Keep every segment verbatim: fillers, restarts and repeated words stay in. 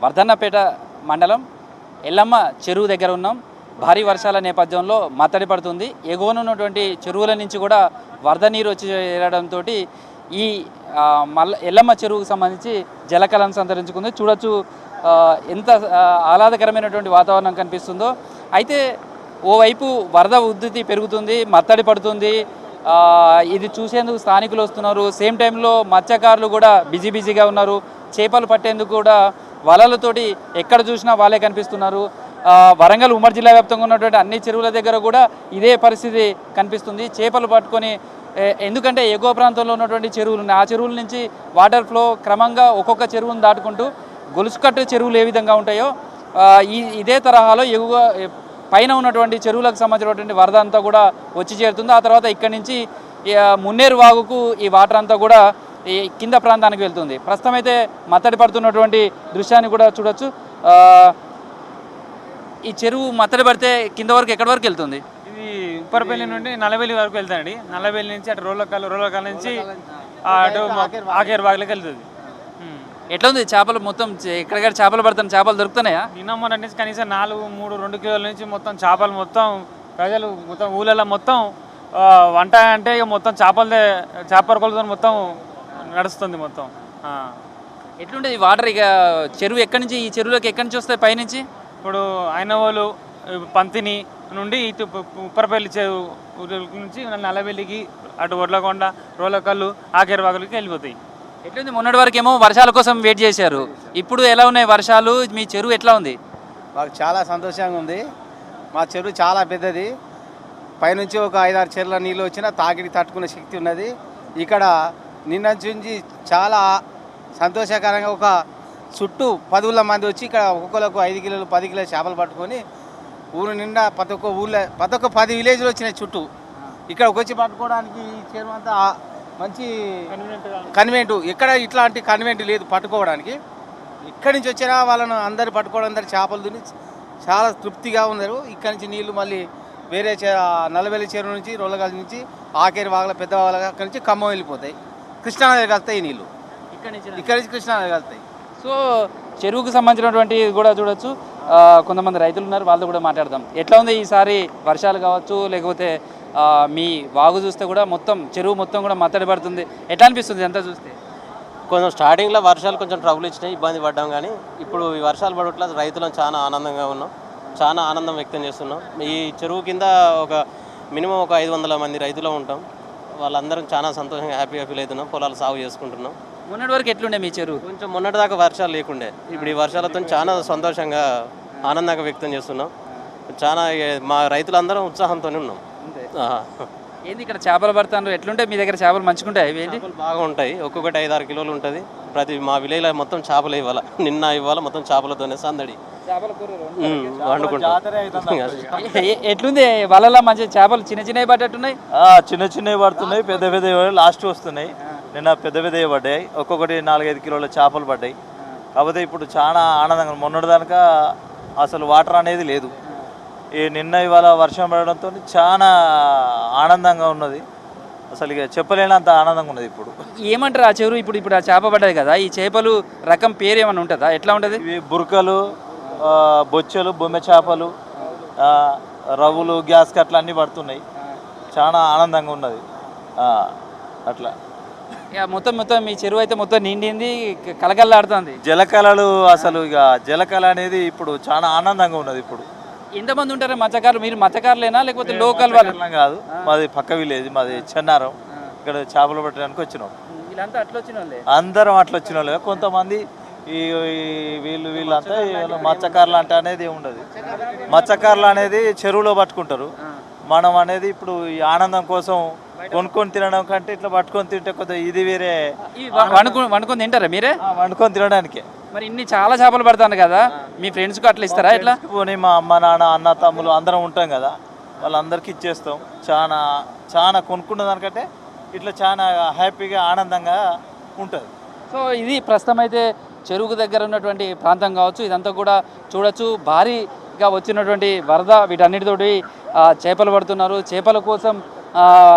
వర్ధన్నపేట మండలం ఎల్లమ్మ చెరువు దగ్గర ఉన్నాం. భారీ వర్షాల నేపథ్యంలో మత్తడి పడుతుంది. ఎగువన ఉన్నటువంటి చెరువుల నుంచి కూడా వరద నీరు వచ్చి చేరడంతో ఈ మల్ల ఎల్లమ్మ చెరువుకు సంబంధించి జలకళను సంతరించుకుంది. చూడొచ్చు ఎంత ఆహ్లాదకరమైనటువంటి వాతావరణం కనిపిస్తుందో. అయితే ఓవైపు వరద ఉధృతి పెరుగుతుంది, మత్తడి పడుతుంది. ఇది చూసేందుకు స్థానికులు వస్తున్నారు. సేమ్ టైంలో మత్స్యకారులు కూడా బిజీ బిజీగా ఉన్నారు. చేపలు పట్టేందుకు కూడా వలలతోటి ఎక్కడ చూసినా వాళ్ళే కనిపిస్తున్నారు. వరంగల్ ఉమ్మడి జిల్లా వ్యాప్తంగా ఉన్నటువంటి అన్ని చెరువుల దగ్గర కూడా ఇదే పరిస్థితి కనిపిస్తుంది. చేపలు పట్టుకొని, ఎందుకంటే ఎగువ ప్రాంతంలో ఉన్నటువంటి చెరువులు ఉన్నాయి. ఆ చెరువుల నుంచి వాటర్ ఫ్లో క్రమంగా ఒక్కొక్క చెరువును దాటుకుంటూ గొలుసుకట్టు చెరువులు ఏ విధంగా ఉంటాయో ఈ ఇదే తరహాలో ఎగువ పైన ఉన్నటువంటి చెరువులకు సంబంధించినటువంటి వరద అంతా కూడా వచ్చి చేరుతుంది. ఆ తర్వాత ఇక్కడి నుంచి మున్నేరు వాగుకు ఈ వాటర్ అంతా కూడా ఈ కింద ప్రాంతానికి వెళ్తుంది. ప్రస్తుతం అయితే మత్తడి పడుతున్నటువంటి దృశ్యాన్ని కూడా చూడొచ్చు. ఈ చెరువు మత్తడి పడితే కింద వరకు ఎక్కడి వరకు వెళ్తుంది? ఇది ఉప్పరపల్లి నుండి నల్లబెల్లి వరకు వెళ్తానండి. నల్లబెల్లి నుంచి అటు రోలకాలు రోలకాల నుంచి అటు ఆకేరు వాగులోకి వెళ్తుంది. ఎట్లా ఉంది చేపలు? మొత్తం ఎక్కడిక్కడ చేపలు పడుతున్నాయి, చేపలు దొరుకుతున్నాయా? నిన్న మొన్న నుంచి కనీసం నాలుగు మూడు రెండు కిలోల నుంచి మొత్తం చేపలు మొత్తం ప్రజలు మొత్తం ఊళ్ళలో మొత్తం వంట అంటే ఇక మొత్తం చేపలదే చేపల కొలతో మొత్తం నడుస్తుంది మొత్తం. ఎట్లుంటుంది వాటర్? ఇక చెరువు ఎక్కడి నుంచి, ఈ చెరువులోకి ఎక్కడి నుంచి వస్తాయి? పైనుంచి ఇప్పుడు అయినవాళ్ళు పంతిని నుండి ఇటు ఉప్పరపల్లి చెరువు నుంచి నల్లబెల్లికి అటు ఒడ్లకొండ రోలకల్లు ఆకేరు వాగులకి వెళ్ళిపోతాయి. ఎట్లుంది? మొన్నటి వరకు ఏమో వర్షాల కోసం వెయిట్ చేశారు, ఇప్పుడు ఎలా ఉన్నాయి వర్షాలు? మీ చెరువు ఎట్లా ఉంది? మాకు చాలా సంతోషంగా ఉంది. మా చెరువు చాలా పెద్దది. పైనుంచి ఒక ఐదారు చెరువుల నీళ్ళు వచ్చినా తాకిడి తట్టుకునే శక్తి ఉన్నది. ఇక్కడ నిన్న నుంచి చాలా సంతోషకరంగా ఒక చుట్టూ పదుల మంది వచ్చి ఇక్కడ ఒక్కొక్కరికి ఐదు కిలోలు పది కిలోలు చేపలు పట్టుకొని ఊరు నిండా ప్రతి ఒక్క ఊళ్ళో ప్రతి ఒక్క పది విలేజ్లు వచ్చినాయి చుట్టూ. ఇక్కడికి వచ్చి పట్టుకోవడానికి ఈ చెరువు అంతా మంచి కన్వెంట్. ఎక్కడ ఇట్లాంటి కన్వెంట్ లేదు పట్టుకోవడానికి. ఇక్కడి నుంచి వచ్చినా వాళ్ళను అందరు పట్టుకోవడం, అందరు చేపలు తిని చాలా తృప్తిగా ఉన్నారు. ఇక్కడి నుంచి నీళ్లు మళ్ళీ వేరే నల్లబెల్లి చెరువు నుంచి రోలగాల నుంచి ఆకేరి వాగల పెద్ద వాగల అక్కడి నుంచి ఖమ్మం వెళ్ళిపోతాయి. కృష్ణానది కలుతాయి నీళ్ళు, ఇక్కడి నుంచి ఇక్కడి నుంచి కృష్ణానది కలుతాయి. సో చెరువుకు సంబంధించినటువంటి కూడా చూడొచ్చు. కొంతమంది రైతులు ఉన్నారు, వాళ్ళతో కూడా మాట్లాడదాం. ఎట్లా ఉంది ఈసారి వర్షాలు కావచ్చు, లేకపోతే మీ వాగు చూస్తే కూడా మొత్తం చెరువు మొత్తం కూడా మత్తడి పడుతుంది. ఎట్లా అనిపిస్తుంది అంతా చూస్తే? కొంచెం స్టార్టింగ్లో వర్షాలు కొంచెం ట్రబుల్ ఇచ్చినాయి, ఇబ్బంది పడ్డాం. కానీ ఇప్పుడు ఈ వర్షాలు పడట్ల రైతులను చాలా ఆనందంగా ఉన్నాం, చాలా ఆనందం వ్యక్తం చేస్తున్నాం. ఈ చెరువు కింద ఒక మినిమం ఒక ఐదు వందల మంది రైతులు ఉంటాం. వాళ్ళందరం చాలా సంతోషంగా హ్యాపీగా ఫీల్ అవుతున్నాం. పొలాలు సాగు చేసుకుంటున్నాం. మొన్నటి వరకు ఎట్లుండే మీ చెరువు? కొంచెం మొన్నటి దాకా వర్షాలు లేకుండే. ఇప్పుడు ఈ వర్షాలతో చాలా సంతోషంగా ఆనందంగా వ్యక్తం చేస్తున్నాం. చాలా మా రైతులందరం ఉత్సాహంతోనే ఉన్నాం. ఏంది ఇక్కడ చేపలు పడతాను? ఎట్లుంటే మీ దగ్గర చేపలు మంచుకుంటాయి? ఏంటి బాగా ఉంటాయి. ఒక్కొక్కటి ఐదు ఆరు కిలోలు ఉంటుంది. ప్రతి మా విలేజ్లో మొత్తం చేపలు ఇవ్వాలి. నిన్న ఇవ్వాలి మొత్తం చేపలతోనే సందడి వండుకుంటాం. ఎట్లుంది వలలా? మంచి చేపలు చిన్న చిన్నవి పడ్డట్టున్నాయి. చిన్న చిన్నవి పడుతున్నాయి, పెద్ద పెద్ద లాస్ట్ వస్తున్నాయి. నిన్న పెద్ద పెద్దవి పడ్డాయి, ఒక్కొక్కటి నాలుగైదు కిలోల చేపలు పడ్డాయి. కాకపోతే ఇప్పుడు చాలా ఆనందంగా, మొన్నటి దానిక అసలు వాటర్ అనేది లేదు. ఈ నిన్న ఇవాళ వర్షం పడడంతో చాలా ఆనందంగా ఉన్నది. అసలు ఇక చెప్పలేనంత ఆనందంగా ఉన్నది. ఇప్పుడు ఏమంటారు ఆ చెరువు? ఇప్పుడు ఇప్పుడు ఆ చేప పడ్డది కదా, ఈ చేపలు రకం పేరు ఏమైనా ఉంటుందా? ఎట్లా ఉంటుంది? ఇవి బురకలు, బొచ్చెలు, బొమ్మె చేపలు, రవ్వులు, గ్యాస్ కట్లు అన్నీ పడుతున్నాయి. చాలా ఆనందంగా ఉన్నది. అట్లా మొత్తం మొత్తం మీ చెరువు అయితే మొత్తం నిండింది, కలకల్లాడుతుంది. జలకళలు అసలు ఇక జలకళ అనేది ఇప్పుడు చాలా ఆనందంగా ఉన్నది. ఇప్పుడు ఎంతమంది ఉంటారు మత్స్యకారులు? మీరు మత్స్యకారులేనా లేకపోతే లోకల్ వాళ్ళు? కాదు, మాది పక్క విలేజ్, మాది చెన్నారం. ఇక్కడ చేపలు పట్టడానికి వచ్చినాం. వీళ్ళంతా అట్లా వచ్చిన వాళ్ళే, అందరం అట్లా వచ్చిన వాళ్ళే. కొంతమంది ఈ వీళ్ళు వీళ్ళంతా మత్స్యకారులు అంటే అనేది ఉండదు. మత్స్యకారులు అనేది చెరువులో పట్టుకుంటారు. మనం అనేది ఇప్పుడు ఈ ఆనందం కోసం కొనుక్కొని తినడం కంటే ఇట్లా పట్టుకొని తింటే కొద్దిగా ఇది వేరే. వండుకొని తింటారా మీరే? వండుకొని తినడానికే. మరి ఇన్ని చాలా చేపలు పడతాను కదా, మీ ఫ్రెండ్స్కి అట్లా ఇస్తారా? ఎట్లా పోనీ మా అమ్మ నాన్న అన్న తమ్ములు అందరం ఉంటాం కదా, వాళ్ళందరికీ ఇచ్చేస్తాం. చాలా చాలా కొనుక్కున్న దానికంటే ఇట్లా చాలా హ్యాపీగా ఆనందంగా ఉంటుంది. సో ఇది ప్రస్తుతం అయితే చెరువుకు దగ్గర ఉన్నటువంటి ప్రాంతం కావచ్చు. ఇదంతా కూడా చూడొచ్చు. భారీగా వచ్చినటువంటి వరద వీటన్నిటితోటి చేపలు పడుతున్నారు. చేపల కోసం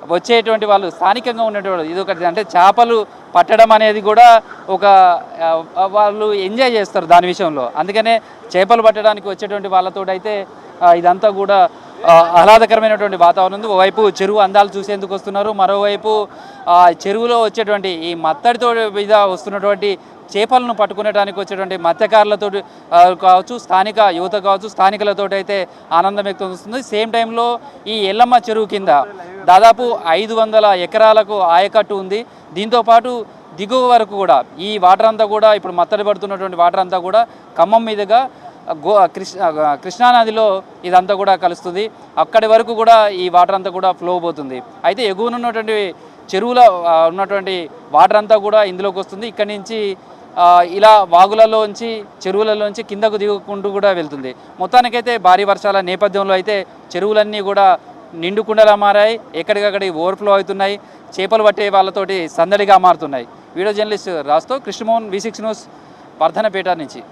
వచ్చేటువంటి వాళ్ళు స్థానికంగా ఉన్నటువంటి ఇది ఒకటి అంటే చేపలు పట్టడం అనేది కూడా ఒక ఆ, వాళ్ళు ఎంజాయ్ చేస్తారు దాని విషయంలో. అందుకనే చేపలు పట్టడానికి వచ్చేటువంటి వాళ్ళతో అయితే ఇదంతా కూడా ఆ, ఆహ్లాదకరమైనటువంటి వాతావరణం ఉంది. ఓవైపు చెరువు అందాలు చూసేందుకు వస్తున్నారు, మరోవైపు ఆ, చెరువులో వచ్చేటువంటి ఈ మత్తడితో మీద వస్తున్నటువంటి చేపలను పట్టుకునేడానికి వచ్చేటువంటి మత్స్యకారులతో కావచ్చు, స్థానిక యువత కావచ్చు, స్థానికులతో అయితే ఆనందం వ్యక్తం వస్తుంది. సేమ్ టైంలో ఈ ఎల్లమ్మ చెరువు కింద దాదాపు ఐదు వందల ఎకరాలకు ఆయకట్టు ఉంది. దీంతోపాటు దిగువ వరకు కూడా ఈ వాటర్ అంతా కూడా ఇప్పుడు మత్తడి పడుతున్నటువంటి వాటర్ అంతా కూడా ఖమ్మం మీదుగా గో కృష్ణ కృష్ణానదిలో ఇదంతా కూడా కలుస్తుంది. అక్కడి వరకు కూడా ఈ వాటర్ అంతా కూడా ఫ్లో పోతుంది. అయితే ఎగువన ఉన్నటువంటి చెరువులో ఉన్నటువంటి వాటర్ అంతా కూడా ఇందులోకి వస్తుంది. ఇక్కడి నుంచి ఇలా వాగులలోంచి చెరువులలోంచి కిందకు దిగుకుంటూ కూడా వెళ్తుంది. మొత్తానికైతే భారీ వర్షాల నేపథ్యంలో అయితే చెరువులన్నీ కూడా నిండుకుండలా మారాయి, ఎక్కడికక్కడికి ఓవర్ఫ్లో అవుతున్నాయి, చేపలు పట్టే వాళ్ళతోటి సందడిగా మారుతున్నాయి. వీడియో జర్నలిస్ట్ రాస్తో Krishnamohan, V six news, Vardhannapet నుంచి.